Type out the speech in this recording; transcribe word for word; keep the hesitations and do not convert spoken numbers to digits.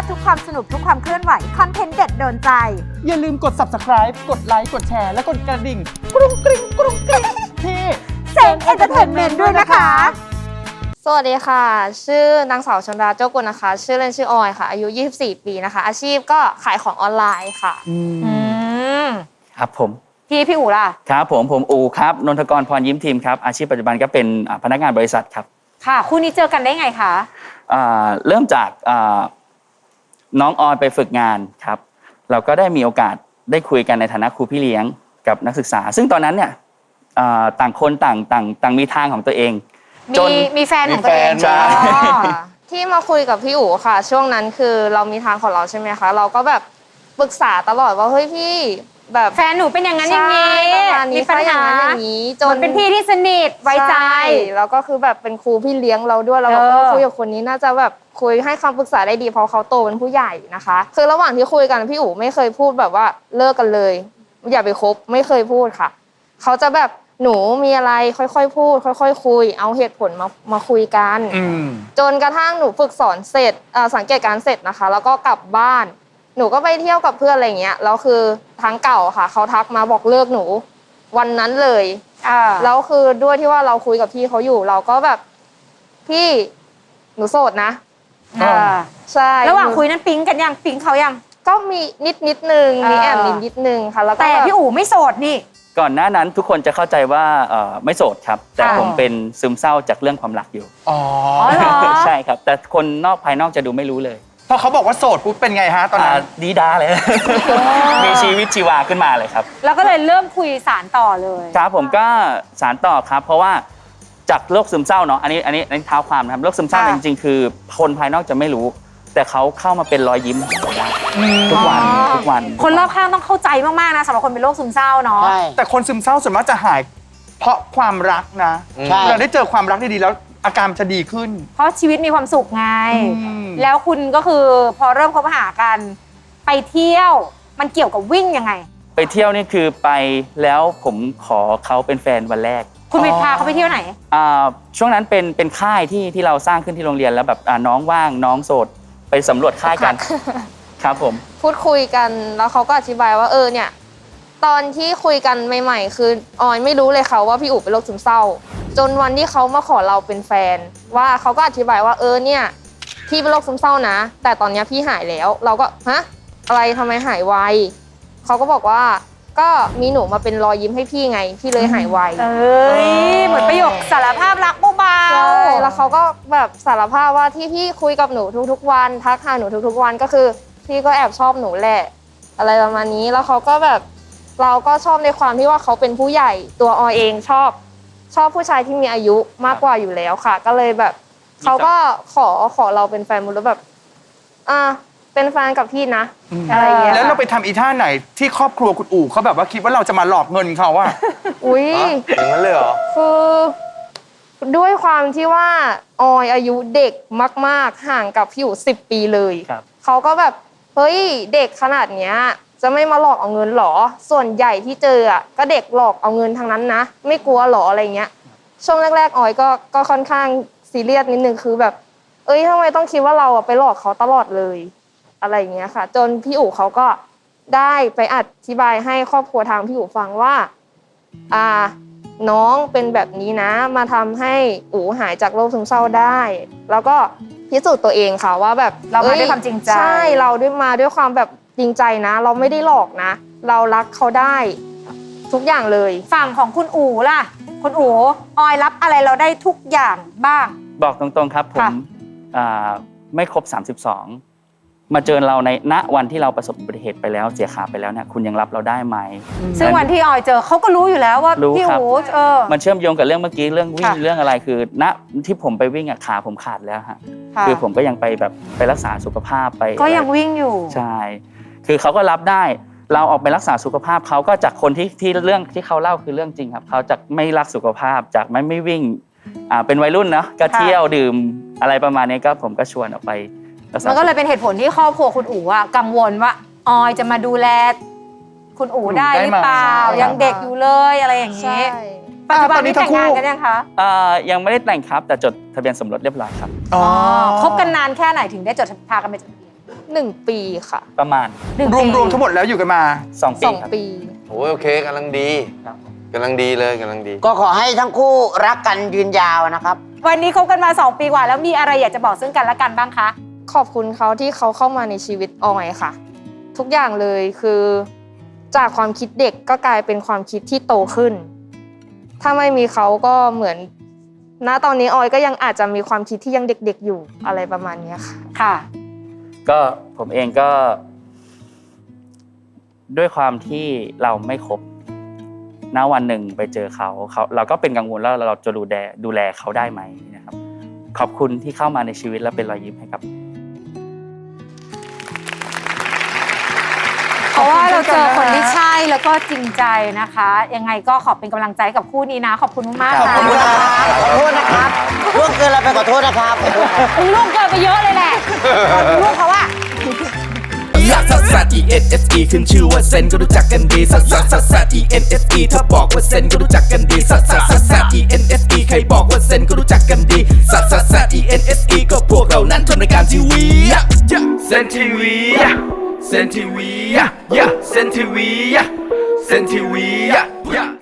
ดทุกความสนุกทุกความเคลื่อนไหวคอนเทนต์เด็ดโดนใจอย่าลืมกด ซับสไครบ์ กดไลค์กดแชร์และกดกระดิ่งกรุงกริ๊งกรุงกริ๊งที่เซนเอนเตอร์เทนเมนต์ด้วยนะคะสวัสดีค่ะชื่อนางสาวชนดาเจ้ากุลนะคะชื่อเล่นชื่อออยค่ะอายุยี่สิบสี่ปีนะคะอาชีพก็ขายของออนไลน์ค่ะอืมครับผมพี่พี่อู๋ล่ะครับผมผมอูครับนนทกรพรยิ้มทีมครับอาชีพปัจจุบันก็เป็นพนักงานบริษัทครับค่ะคู่นี้เจอกันได้ไงคะเริ่มจากน้องออยไปฝึกงานครับเราก็ได้มีโอกาสได้คุยกันในฐานะครูพี่เลี้ยงกับนักศึกษาซึ่งตอนนั้นเนี่ยต่างคนต่างต่างต่างมีทางของตัวเองจนมีแฟนของตัวเองใช่ที่มาคุยกับพี่อู๋ค่ะช่วงนั้นคือเรามีทางของเราใช่ไหมคะเราก็แบบปรึกษาตลอดว่าเฮ้ยพี่แบบแฟนหนูเป็นอย่างนั้นอย่างนี้มีปัญหาอย่างนี้จนเป็นพี่ที่สนิทไว้ใจแล้วก็คือแบบเป็นครูพี่เลี้ยงเราด้วยเราก็คุยกับคนนี้น่าจะแบบคุยให้คำปรึกษาได้ดีเพราะเขาโตเป็นผู้ใหญ่นะคะคือระหว่างที่คุยกันพี่อู๋ไม่เคยพูดแบบว่าเลิกกันเลยอย่าไปคบไม่เคยพูดค่ะเขาจะแบบหนูมีอะไรค่อยๆพูดค่อยๆคุยเอาเหตุผลมามาคุยกันจนกระทั่งหนูฝึกสอนเสร็จสังเกตการเสร็จนะคะแล้วก็กลับบ้านหนูก็ไปเที่ยวกับเพื่อนอะไรเงี้ยแล้วคือทางเก่าค่ะเขาทักมาบอกเลิกหนูวันนั้นเลยแล้วคือด้วยที่ว่าเราคุยกับพี่เขาอยู่เราก็แบบพี่หนูโสดนะใช่ระหว่างคุยนั้นปิ๊งกันยังปิ๊งเขายังก็มีนิดนิดนึงมีแอบนิดนิดนึงค่ะแล้วแต่พี่อู๋ไม่โสดนี่ก่อนหน้านั้นทุกคนจะเข้าใจว่าไม่โสดครับแต่ผมเป็นซึมเศร้าจากเรื่องความรักอยู่อ๋อใช่ครับแต่คนนอกภายนอกจะดูไม่รู้เลยพอเขาบอกว่าโสดปุ๊บเป็นไงฮะตอนนั้นดีด้าเลยมีชีวิตชีวาขึ้นมาเลยครับแล้วก็เลยเริ่มคุยสารต่อเลยครับผมก็สารต่อครับเพราะว่าจากโรคซึมเศร้าเนาะอันนี้อันนี้อันนี้เท้าความนะครับโรคซึมเศร้าจริงๆคือคนภายนอกจะไม่รู้แต่เขาเข้ามาเป็นรอยยิ้มทุกวันทุกวันคนรอบข้างต้องเข้าใจมากๆนะสำหรับคนเป็นโรคซึมเศร้าเนาะแต่คนซึมเศร้าส่วนมากจะหายเพราะความรักนะเราได้เจอความรักดีๆแล้วอาการจะดีขึ้นเพราะชีวิตมีความสุขไงแล้วคุณก็คือพอเริ่มคบหากันไปเที่ยวมันเกี่ยวกับวิ่งยังไงไปเที่ยวนี่คือไปแล้วผมขอเขาเป็นแฟนวันแรกคุณไปพาเขาไปเที่ยวไหนช่วงนั้นเป็นเป็นค่ายที่ที่เราสร้างขึ้นที่โรงเรียนแล้วแบบน้องว่างน้องโสดไปสำรวจค่ายกันครับผมพูดคุยกันแล้วเขาก็อธิบายว่าเออเนี่ยตอนที่คุยกันใหม่ๆคือออยไม่รู้เลยค่ะว่าพี่อู๋เป็นโรคซึมเศร้าจนวันที่เขามาขอเราเป็นแฟนว่าเขาก็อธิบายว่าเออเนี่ยพี่เป็นโรคซึมเศร้านะแต่ตอนนี้พี่หายแล้วเราก็ฮะอะไรทำไมหายไวเขาก็บอกว่าก็มีหนูมาเป็นรอยยิ้มให้พี่ไงพี่เลยหายไวเอ้ยเหมือนประโยคสารภาพรักเบาๆใช่แล้วเขาก็แบบสารภาพว่าที่พี่คุยกับหนูทุกๆวันทักหาหนูทุกๆวันก็คือพี่ก็แอบชอบหนูแหละอะไรประมาณนี้แล้วเขาก็แบบเราก็ชอบในความที่ว่าเขาเป็นผู้ใหญ่ตัวออยเองชอบชอบผู้ชายที่มีอายุมากกว่าอยู่แล้วค่ะก็เลยแบบเขาก็ขอขอเราเป็นแฟนมุดแล้วแบบอ่าเป็นแฟนกับพี่นะอะไรอย่างเงี้ยแล้วเราไปทำอีท่าไหนที่ครอบครัวคุณอู๋เขาแบบว่าคิดว่าเราจะมาหลอกเงินเขาอะอุ้ยอย่างนั้นเลยเหรอคือด้วยความที่ว่าออยอายุเด็กมากๆห่างกับพี่อู๋สิบปีเลยเขาก็แบบเฮ้ยเด็กขนาดเนี้ยจะไม่มาหลอกเอาเงินหรอส่วนใหญ่ที่เจออ่ะก็เด็กหลอกเอาเงินทางนั้นนะไม่กลัวหรออะไรเงี้ยช่วงแรกๆออยก็ก็ค่อนข้างซีเรียสนิดนึงคือแบบเอ้ยทำไมต้องคิดว่าเราไปหลอกเขาตลอดเลยอะไรเงี้ยค่ะจนพี่อู๋เขาก็ได้ไปอธิบายให้ครอบครัวทางพี่อู๋ฟังว่าอ่าน้องเป็นแบบนี้นะมาทำให้อู๋หายจากโรคซึมเศร้าได้แล้วก็พิสูจน์ตัวเองค่ะว่าแบบเรามาด้วยความจริงใจใช่เราด้วยมาด้วยความแบบจริงใจนะเราไม่ได้หลอกนะเรารักเขาได้ทุกอย่างเลยฝั่งของคุณอู๋ล่ะคุณอู๋ออยรับอะไรเราได้ทุกอย่างบ้างบอกตรงๆครับผมไม่ครบสามสิบสองมาเจอเราในณวันที่เราประสบอุบัติเหตุไปแล้วเสียขาไปแล้วเนี่ยคุณยังรับเราได้ไหมซึ่งวันที่ออยเจอเขาก็รู้อยู่แล้วว่าพี่อู๋เออมันเชื่อมโยงกับเรื่องเมื่อกี้เรื่องวิ่งเรื่องอะไรคือณที่ผมไปวิ่งอะขาผมขาดแล้วฮะคือผมก็ยังไปแบบไปรักษาสุขภาพไปก็ยังวิ่งอยู่ใช่คือเขาก็รับได้เราออกไปรักษาสุขภาพเขาก็จากคนที่ที่เรื่องที่เขาเล่าคือเรื่องจริงครับเขาจากไม่รักสุขภาพจากไม่ไม่วิ่งอ่าเป็นวัยรุ่นเนาะก็เที่ยวดื่มอะไรประมาณนี้ก็ผมก็ชวนออกไปมันก็เลยเป็นเหตุผลที่ครอบครัวคุณอู๋อะกังวลว่าออยจะมาดูแลคุณอู๋ได้หรือเปล่ายังเด็กอยู่เลยอะไรอย่างนี้ปัจจุบันนี้แต่งงานกันยังคะอ่ายังไม่ได้แต่งครับแต่จดทะเบียนสมรสเรียบร้อยครับอ๋อคบกันนานแค่ไหนถึงได้จดพากันไปจดทะเบียนหนึ่งปีค่ะประมาณหนึ่งรวมปีรวมทั้งหมดแล้วอยู่กันมาสองสปีองครับปีโอ้ยโอเคกำลังดีกำลังดีเลยกำลังดีก็ขอให้ทั้งคู่รักกันยืนยาวนะครับวันนี้คบกันมาสองปีกว่าแล้วมีอะไรอยากจะบอกซึ่งกันและกันบ้างคะขอบคุณเขาที่เขาเข้ามาในชีวิตออยค่ะ ทุกอย่างเลยคือจากความคิดเด็กก็กลายเป็นความคิดที่โตขึ้น ถ้าไม่มีเขาก็เหมือนณตอนนี้ออยก็ยังอาจจะมีความคิดที่ยังเด็กๆอยู่อะไรประมาณเนี้ยค่ะค่ะก็ผมเองก็ ด้วยความที่เราไม่ครบณวันหนึ่งไปเจอเขาเขาเราก็เป็นกังวลแล้วเราจะดูแลดูแลเขาได้ไหมนะครับขอบคุณที่เข้ามาในชีวิตและเป็นรอยยิ้มให้กับเพราะว่าเราเจอคนที่ใช่แล้วก็จริงใจนะคะ ยังไงก็ขอเป็นกำลังใจให้กับคู่นี้นะ ขอบคุณมากๆขอบนะคุณครับขอโทษนะครับล่วงเกินเราไปขอโทษนะครับขอโทษครับมึงลูกเกินไปเยอะเลยแหละลูกเขาอะลักซัสซัส E N S E ขึ้นชื่อว่าเซนก็รู้จักกันดีซัสซัสซัสซัส E N S E ถ้าบอกว่าเซนก็รู้จักกันดีซัสซัสซัสซัส E N S E ใครบอกว่าเซนก็รู้จักกันดีซัสซัสซัส E N S E ก็พวกเรานั้นทำรายการทีวีเซนทีวีเซนทีวีเซนทีวีเซนทีวี